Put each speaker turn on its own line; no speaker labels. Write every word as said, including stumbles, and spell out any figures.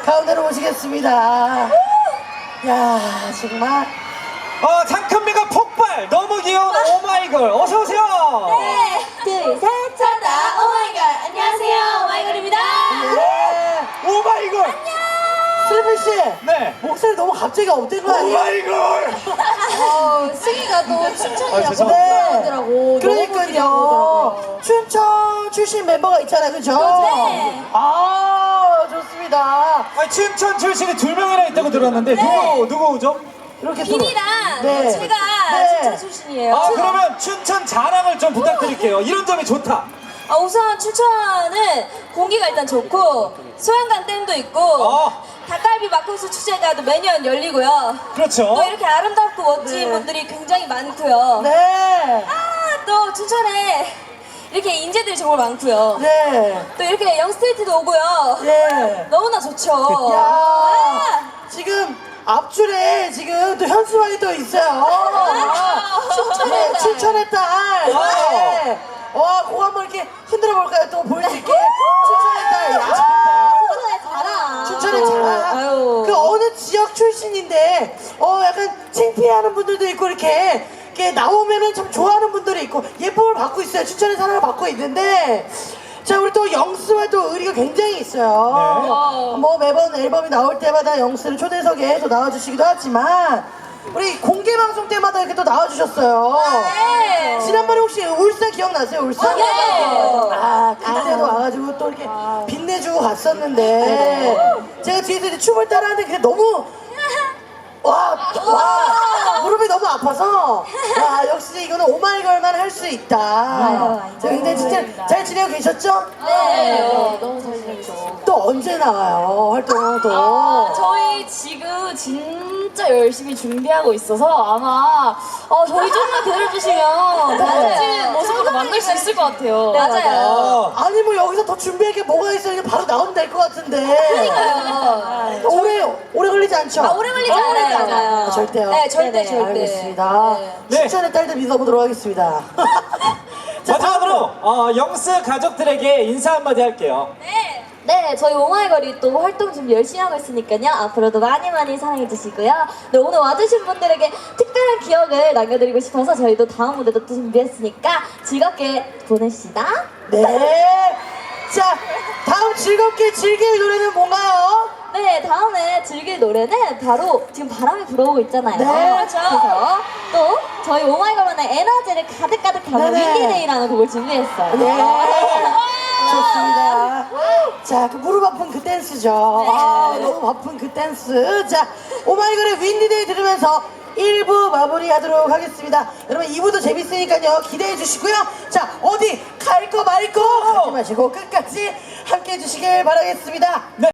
가운데로 모시겠습니다. 야, 정말.
어, 장큰미가 폭발! 너무 귀여운 오마이걸! 어서오세요!
네, 둘, 셋, 찾다 오마이걸. 안녕하세요, 오마이걸입니다.
네.
오마이걸!
안녕.
슬비 씨.
네.
목소리 너무 갑자기 업된 거 아니에요?
오마이걸!
어, 승희가 또 춘천이라고
죄송합니다.
하더라고.
그러니까요. 춘천 출신 멤버가 있잖아요, 그죠?
네.
아, 좋습니다.
아니, 춘천 출신이 두 명이나 있다고 들었는데, 누구, 누구죠?
이렇게 또-
비니랑
네.
제가
네.
춘천 출신이에요.
아, 그러면 춘천 자랑을 좀 부탁드릴게요. 이런 점이 좋다.
아, 우선 춘천은 공기가 일단 좋고 소양강 댐도 있고
어.
닭갈비 막국수 축제가 또 매년 열리고요.
그렇죠.
또 이렇게 아름답고 멋진
네.
분들이 굉장히 많고요.
네.
아, 또 춘천에 이렇게 인재들이 정말 많고요.
네.
또 이렇게 영스트리트도 오고요.
네.
너무나 좋죠.
야.
아,
지금 앞줄에 지금 또 현수막이 또 있어요.
춘천의 딸.
춘천의 딸. 네. 와, 그거 한번 이렇게 흔들어 볼까요? 또 볼 수 있게. 춘천의 딸. 야.
춘천의 자랑.
춘천의 자랑.
아유.
그 어느 지역 출신인데, 어, 약간 창피해하는 분들도 있고, 이렇게, 이렇게 나오면은 참 좋아하는 분들이 있고, 예쁨을 받고 있어요. 춘천의 사랑을 받고 있는데, 자, 우리 또 영스와 또 의리가 굉장히 있어요.
네.
뭐 매번 앨범이 나올 때마다 영스를 초대석에 또 나와주시기도 하지만, 우리 공개 방송 때마다 이렇게 또 나와주셨어요.
네.
지난번에 혹시 울산 기억나세요? 울산?
네.
아, 그때도 와가지고 또 이렇게 빛내주고 갔었는데, 제가 뒤에서 이제 춤을 따라하는데 그게 너무, 와, 와, 무릎이 너무 아파서, 와, 역시 이거는 오마이걸만 할 수 있다. 자, 굉장히 진짜 잘 지내고 계셨죠?
네. 너무 잘 지냈죠.
또 언제 나와요, 활동은 또?
아, 저희 지금 진짜 열심히 준비하고 있어서 아마 어, 저희 좀만 기다려주시면 더
네.
멋진 모습으로 만들 수 있을 것 같아요.
네, 맞아요.
어.
아니, 뭐 여기서 더 준비할 게 뭐가 있어요? 이게 바로 나오면 될 것 같은데.
그러니까요.
오래, 오래 걸리지 않죠?
아, 오래 걸리지
오래
않아요.
걸리지 않아요.
아, 절대요?
네, 절대,
네네,
절대.
알겠습니다.
네.
춘천의 딸들 믿어보도록 하겠습니다. 자,
마지막으로, 어, 영스 가족들에게 인사 한마디 할게요.
네.
네, 저희 오마이걸이 또 활동 준비 열심히 하고 있으니까요. 앞으로도 많이 많이 사랑해주시고요. 네, 오늘 와주신 분들에게 특별한 기억을 남겨드리고 싶어서 저희도 다음 무대도 또 준비했으니까 즐겁게 보내시다.
네. 자, 다음 즐겁게 즐길 노래는 뭔가요?
네, 다음에 즐길 노래는 바로 지금 바람이 불어오고 있잖아요.
네.
그래서 또 저희 오마이걸만의 에너지를 가득가득 담은
네네.
윈디데이라는 곡을 준비했어요.
네. 좋습니다. 자, 그 무릎 아픈 그 댄스죠. 아, 너무 아픈 그 댄스. 자, 오마이걸의 윈디데이 들으면서 일 부 마무리하도록 하겠습니다. 여러분 이 부도 재밌으니까요. 기대해 주시고요. 자, 어디 갈 거 말 거 하지 마시고 끝까지 함께 해주시길 바라겠습니다.
네.